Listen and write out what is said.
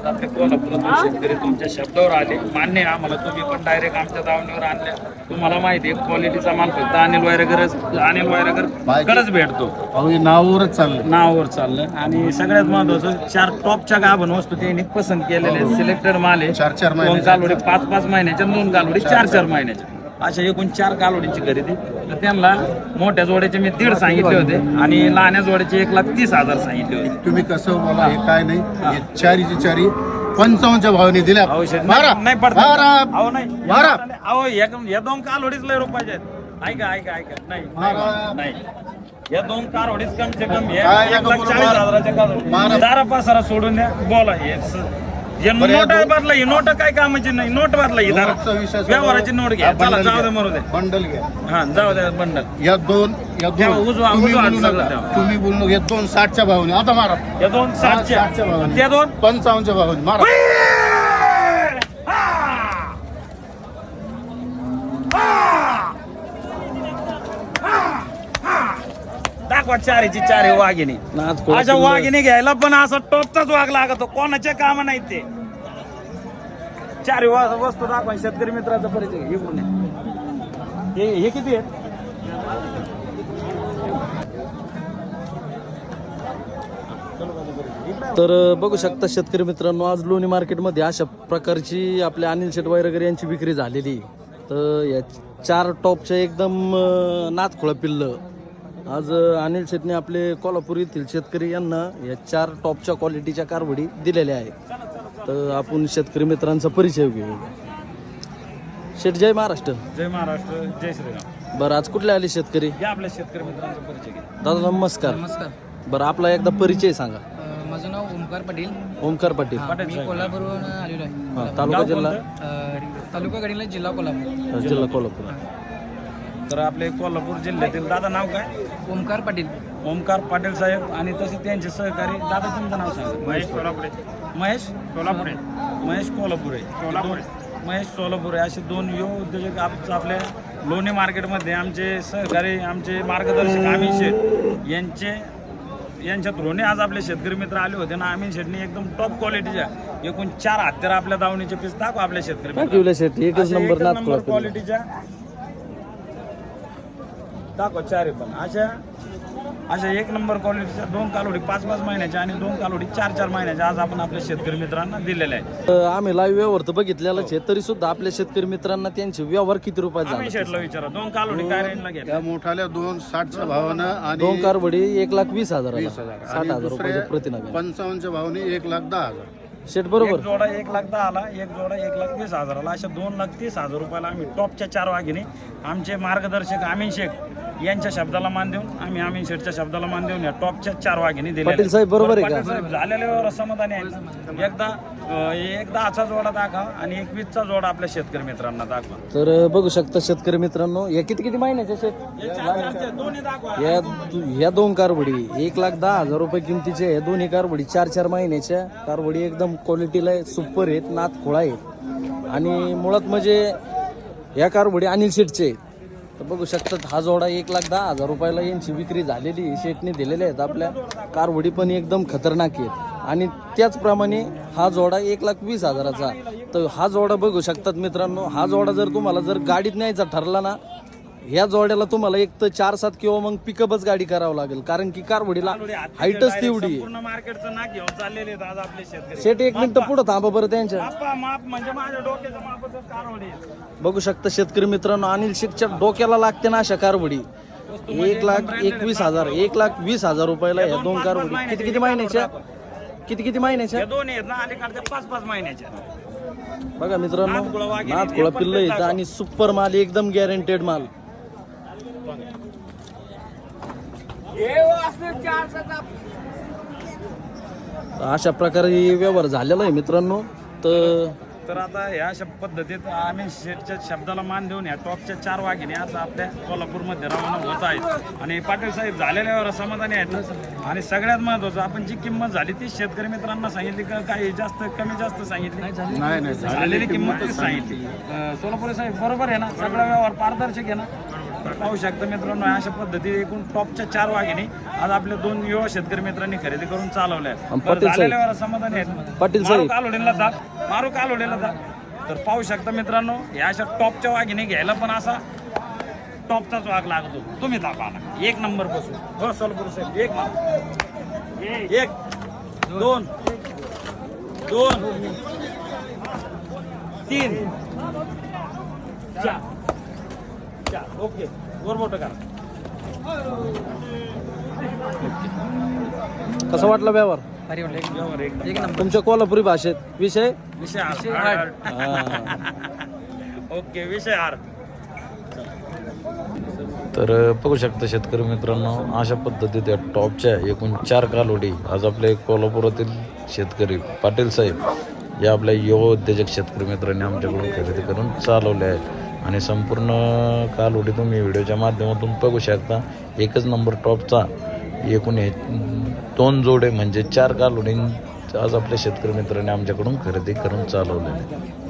आज आपले कोल्हापुरातून शेतकरी तुमच्या शब्दावर आले. मान्य आहे आम्हाला, तुम्ही पण डायरेक्ट आमच्या दावणीवर आणल्या. तुम्हाला माहिती आहे क्वालिटीचा माल फक्त अनिल वायरगर कडच भेटतो. नावावरच चाललं, नावावर चाललं. आणि सगळ्यात महत्वाचं 4 टॉपच्या गाभण वस्तू त्यांनी पसंत केलेले सिलेक्टेड माल आहे. 4 दोन कालोडी 5 महिन्याच्या, 2 कालोडी 4 महिन्याच्या, अशा एकूण 4 कालोडीची खरेदी. तर त्यांना मोठ्या जोड्याचे मी 1.5 सांगितले होते आणि लहान्या जोड्याचे 1,30,000 सांगितले होते. तुम्ही कसं बोला, हे काय नाही, हे चारीची चारी 55च्या भावाने दिल्या. नाही पडत बारा. अहो नाही बारा. अहो या 2 कालोडीच लय रुपयाचे आहेत. ऐका नाही या 2 कालोडीच कम से कम 1,40,000च्या दारा पासारा सोडून द्या. बोला हे नोट बदला, ही नोट काय कामाची नाही. नोट बदला, ही दारा व्यवहाराची नोट घ्या. चला जाऊ दे, मरू दे, बंडल घ्या. हा जाऊ दे बंडल. या दोन तुम्ही बोललो, या 2 60च्या भावाने आता मारा. या 2 60च्या भावाने, त्या 2 55च्या भावाने मारा. दाखवा 4ची 4 वाघिणी. अशा वाघिणी घ्यायला पण असा टॉपचाच वाघ लागतो, कोणाचे काम नाही ते. 4 वस्तू दाखवा. शेतकरी मित्राचा परिचय घे. हे किती आहेत? तर बघू शकता शेतकरी मित्रांनो, आज लोणी मार्केटमध्ये अशा प्रकारची आपल्या अनिल शेट वायरगर यांची विक्री झालेली. तर या 4 टॉपच्या एकदम नाथखोळा पिल्लं आज अनिल शेटने आपले कोल्हापूर येथील शेतकरी यांना या 4 टॉपच्या क्वालिटीच्या कारवडी दिलेल्या आहेत. तर आपण शेतकरी मित्रांचा परिचय घेऊ. शेठ जय महाराष्ट्र. जय महाराष्ट्र, जय श्रीराम. बरं, आज कुठले आले शेतकरी? या आपल्या शेतकरी मित्रांचा परिचय घ्या. दादा नमस्कार. नमस्कार. बरं, आपला एकदा परिचय सांगा. माझं नाव ओमकार पाटील. ओमकार पाटील. मी कोल्हापूरवरून आलेलो आहे. तालुका जिल्हा तालुका गडिंगला, जिल्हा कोल्हापूर. जिल्हा कोल्हापूर. तर आपले कोल्हापूर जिल्ह्यातील दादा नाव काय? ओमकार पाटील. ओमकार पाटील साहेब. आणि तसे त्यांचे सहकारी दादा, तुमचं नाव सांगा. महेश कोल्हापुरे. महेश सोलापुरे असे 2 युवा उद्योजक आपल्या लोणी मार्केटमध्ये आमचे सहकारी, आमचे मार्गदर्शक अमीन शेठ यांच्या थ्रोने आज आपले शेतकरी मित्र आले होते ना. अमीन शेठनी एकदम टॉप क्वालिटीच्या एकूण 4 हत्यार आपल्या दावणीचे पीस दाखवा आपल्या शेतकरी एकच नंबर क्वालिटीच्या दाखवा. 4 पण अशा 1 नंबर क्वालिटीच्या 2 कालोडी 5 महिन्याच्या आणि 2 कालोडी 4 महिन्याच्या आज आपण आपल्या शेतकरी मित्रांना दिलेल्या आहेत. आम्ही लाईव्ह व्यवहार तर बघितलेलाच आहे, तरी सुद्धा आपल्या शेतकरी मित्रांना त्यांचे व्यवहार किती रुपयात अमीन शेठला विचारा, 2 कालोडी काय रेंजला घ्या? त्या मोठाल्या 2 60च्या भावानं आणि 2 कारवडी 1,20,000 20,000 60,000 रुपये प्रतिनग. 55च्या भावाने 1,10,000. शेठ बरोबर. एक जोडा 1,10,000, एक जोडा 1,20,000. अशा 2,30,000 रुपयाला आम्ही टॉपच्या 4 वाघिणी आमचे मार्गदर्शक अमीन शेख यांच्या शब्दाला मान देऊन, आम्ही अमीन शेठच्या शब्दाला मान देऊन या टॉपच्या 4 वाघिणी दिल्या. पाटील साहेब बरोबर आहे का? झालेल्या व्यवहार समाधानी आहे. एकदा 10चा जोडा दाखवा आणि 21चा जोडा आपल्या शेतकरी मित्रांना दाखवा. तर बघू शकता शेतकरी मित्रांनो, या किती महिन्याच्या शेत? दोन्ही दाखवा. या 2 कारवडी 1,10,000 रुपये किमतीच्या. या दोन्ही कारवडी 4 महिन्याच्या कारवडी एकदम क्वालिटीला सुपर आहेत, नाथखोळा आहेत. आणि मुळात म्हणजे या कारवडी अनिल शेठचे आहेत. तर बघू शकतात हा जोडा 1,10,000 रुपयाला यांची विक्री झालेली. शेठने दिलेले आहेत. आपल्या कारवडी पण एकदम खतरनाक आहेत. आणि त्याचप्रमाणे हा जोडा 1,20,000चा. तर हा जोडा बघू शकतात मित्रांनो, हा जोडा जर तुम्हाला गाडीत न्यायचा ठरला ना, ह्या जोड्याला तुम्हाला एक तर 4-7 किंवा मग पिकअपच गाडी करावं लागेल, कारण की कारवडीला हाईटच तेवढी आहे. पूर्ण मार्केटचं नाक घेऊन चाललेले आहेत आज आपले शेतकरी. शेट 1 मिनिट पुढे थांबा बरं त्यांच्या. माप म्हणजे माझ्या डोक्याचं मापच कारवडी. बघू शकता शेतकरी मित्रांनो, अनिल शेठच्या डोक्याला लागते ना अशा कारवडी. 1,21,000 1,20,000 रुपयाला या 2 कारवडी. किती महिन्याच्या? किती महिन्याच्या? या 2 आहेत ना, अलीकडच्या 5 महिन्याच्या. बघा मित्रांनो, नाथखोळा पिल्लं येतं आणि सुपर माल, एकदम गॅरंटेड माल. अशा प्रकारे व्यवहार झालेला आहे मित्रांनो. तर आता ह्या अशा पद्धतीत आम्ही शेठच्या शब्दाला मान देऊन या टॉपच्या 4 वाघिणी आज आपल्या कोल्हापूरमध्ये रवाना होत आहेत. आणि पाटील साहेब झालेल्यावर समाधानी आहेत. आणि सगळ्यात महत्त्वाचं, आपण जी किंमत झाली ती शेतकरी मित्रांना सांगितली का काही जास्त कमी जास्त सांगितली? नाही, झालेली किंमत सांगितली. सोलापुरे साहेब बरोबर आहे ना? सगळा व्यवहार पारदर्शक आहे ना? पाहू शकता मित्रांनो, अशा पद्धतीने एकूण टॉपच्या 4 वाघिणी आज आपल्या 2 युवा शेतकरी मित्रांनी खरेदी करून चालवल्या आहेत. आणि बरं, पाटील साहेब. झालेल्या वेळा समाधानी आहेत. पाटील मारू साहेब. कालोडीला दाब, मारू कालोडीला दाब. तर पाहू शकता मित्रांनो, या अशा टॉपच्या वाघिणी घ्यायला पण असा टॉपचाच वाघ लागतो. तुम्ही दाबा ना, 1 नंबर बसून. हो सोलपूर साहेब, 1 नंबर, 1 2 2 3 4 4. ओके, वर मोठं करा. कसा वाटला व्यवहार भारी वाटलं एक व्यवहार एकदम. एक नंबर. तुमच्या कोल्हापुरी भाषेत विषय विषय हार. हा. ओके, विषय हार. तर बघू शकता शेतकरी मित्रांनो, अशा पद्धतीत या टॉपच्या एकूण 4 कालोडी आज आपल्या कोल्हापुरातील शेतकरी पाटील साहेब या आपल्या युवा उद्योजक शेतकरी मित्रांनी आमच्याकडून खरेदी करून चालवले आहेत. आणि संपूर्ण कालोडी तुम्ही व्हिडिओच्या माध्यमातून बघू शकता. एकच नंबर टॉपचा एकूण हे 2 जोडे म्हणजे 4 कालोडी आज आपल्या शेतकरी मित्रांनी आमच्याकडून खरेदी करून चालवलेले.